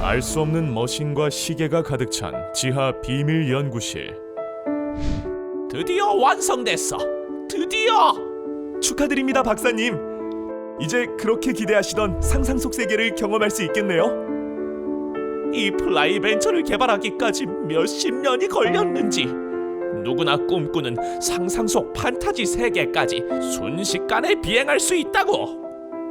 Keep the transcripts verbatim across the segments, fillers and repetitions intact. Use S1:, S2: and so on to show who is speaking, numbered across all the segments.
S1: 알 수 없는 머신과 시계가 가득 찬 지하 비밀 연구실.
S2: 드디어 완성됐어. 드디어.
S1: 축하드립니다, 박사님. 이제 그렇게 기대하시던 상상 속 세계를 경험할 수 있겠네요.
S2: 이 플라이벤처를 개발하기까지 몇십 년이 걸렸는지, 누구나 꿈꾸는 상상 속 판타지 세계까지 순식간에 비행할 수 있다고.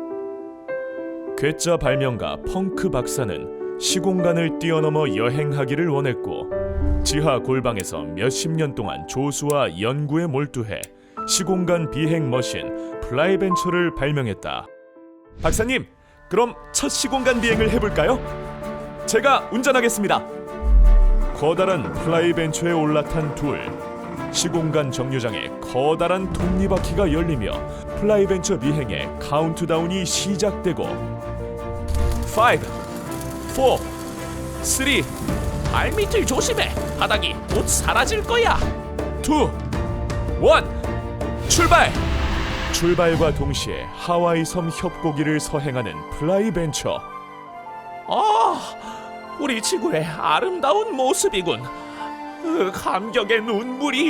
S1: 괴짜 발명가 펑크 박사는 시공간을 뛰어넘어 여행하기를 원했고, 지하 골방에서 몇십 년 동안 조수와 연구에 몰두해 시공간 비행 머신 플라이벤처를 발명했다. 박사님, 그럼 첫 시공간 비행을 해볼까요? 제가 운전하겠습니다. 커다란 플라이벤처에 올라탄 둘. 시공간 정류장에 커다란 톱니바퀴가 열리며 플라이벤처 비행의 카운트다운이 시작되고 파이브, 포, 쓰리,
S2: 발밑을 조심해. 바닥이 곧 사라질 거야.
S1: 투, 원, 출발! 출발과 동시에 하와이 섬 협곡이를 서행하는 플라이벤처.
S2: 아, 우리 지구의 아름다운 모습이군. 으, 감격의 눈물이.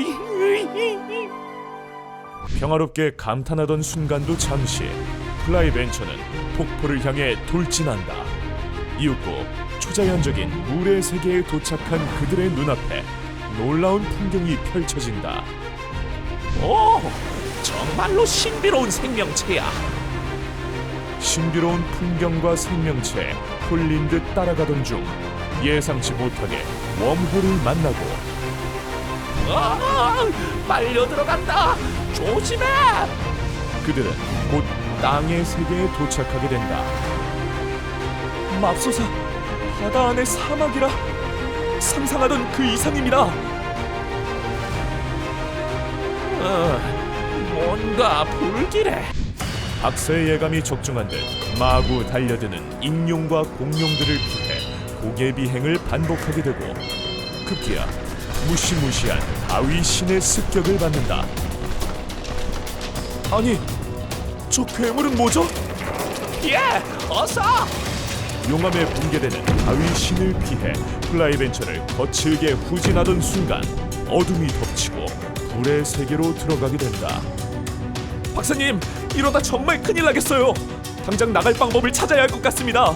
S1: 평화롭게 감탄하던 순간도 잠시, 플라이벤처는 폭포를 향해 돌진한다. 이윽고 초자연적인 물의 세계에 도착한 그들의 눈앞에 놀라운 풍경이 펼쳐진다.
S2: 오, 정말로 신비로운 생명체야.
S1: 신비로운 풍경과 생명체에 홀린 듯 따라가던 중 예상치 못하게 웜홀을 만나고
S2: 아, 빨려 들어간다. 조심해.
S1: 그들은 곧 땅의 세계에 도착하게 된다. 맙소사, 바다 안의 사막이라 상상하던 그 이상입니다.
S2: 어, 뭔가 불길해.
S1: 박사의 예감이 적중한 듯 마구 달려드는 익룡과 공룡들을 피해 고개 비행을 반복하게 되고 급기야 무시무시한 바위 신의 습격을 받는다. 아니, 저 괴물은 뭐죠?
S2: 예, 어서.
S1: 용암에 붕괴되는 바위 신을 피해 플라이벤처를 거칠게 후진하던 순간 어둠이 덮치고 불의 세계로 들어가게 된다. 박사님, 이러다 정말 큰일 나겠어요. 당장 나갈 방법을 찾아야 할 것 같습니다.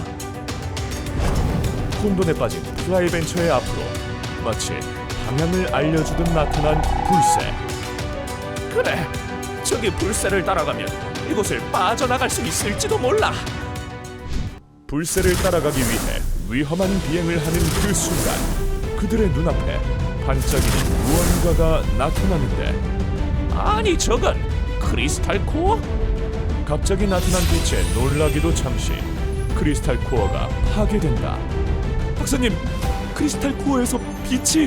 S1: 혼돈에 빠진 플라이벤처의 앞으로 마치 방향을 알려주듯 나타난 불새.
S2: 그래, 저기 불새를 따라가면 이곳을 빠져나갈 수 있을지도 몰라.
S1: 불새를 따라가기 위해 위험한 비행을 하는 그 순간 그들의 눈앞에 반짝이는 무언가가 나타나는데,
S2: 아니, 저건 크리스탈 코어?
S1: 갑자기 나타난 빛에 놀라기도 잠시 크리스탈 코어가 파괴된다. 박사님, 크리스탈 코어에서 빛이...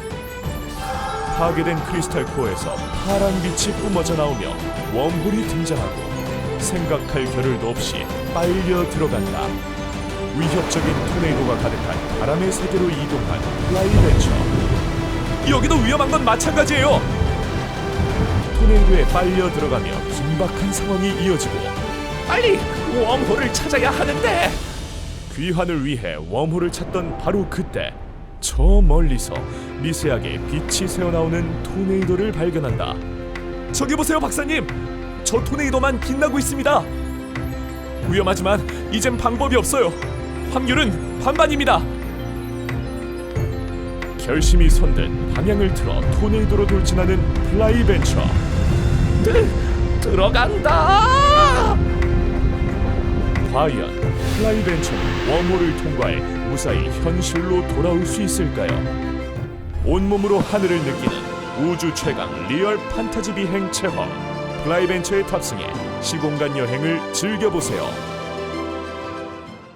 S1: 파괴된 크리스탈 코어에서 파란 빛이 뿜어져 나오며 웜홀이 등장하고 생각할 겨를도 없이 빨려 들어간다. 위협적인 토네이도가 가득한 바람의 세계로 이동한 플라이벤처. 여기도 위험한 건 마찬가지예요. 토네이도에 빨려 들어가며 긴박한 상황이 이어지고
S2: 빨리 웜홀을 찾아야 하는데.
S1: 귀환을 위해 웜홀을 찾던 바로 그때 저 멀리서 미세하게 빛이 새어나오는 토네이도를 발견한다. 저기 보세요, 박사님. 저 토네이도만 빛나고 있습니다. 위험하지만 이젠 방법이 없어요. 확률은 반반입니다. 결심이 선듯 방향을 틀어 토네이도로 돌진하는 플라이벤처.
S2: 들, 들어간다.
S1: 과연 플라이벤처는 웜홀을 통과해 무사히 현실로 돌아올 수 있을까요? 온몸으로 하늘을 느끼는 우주 최강 리얼 판타지 비행 체험, 플라이벤처에 탑승해 시공간 여행을 즐겨보세요.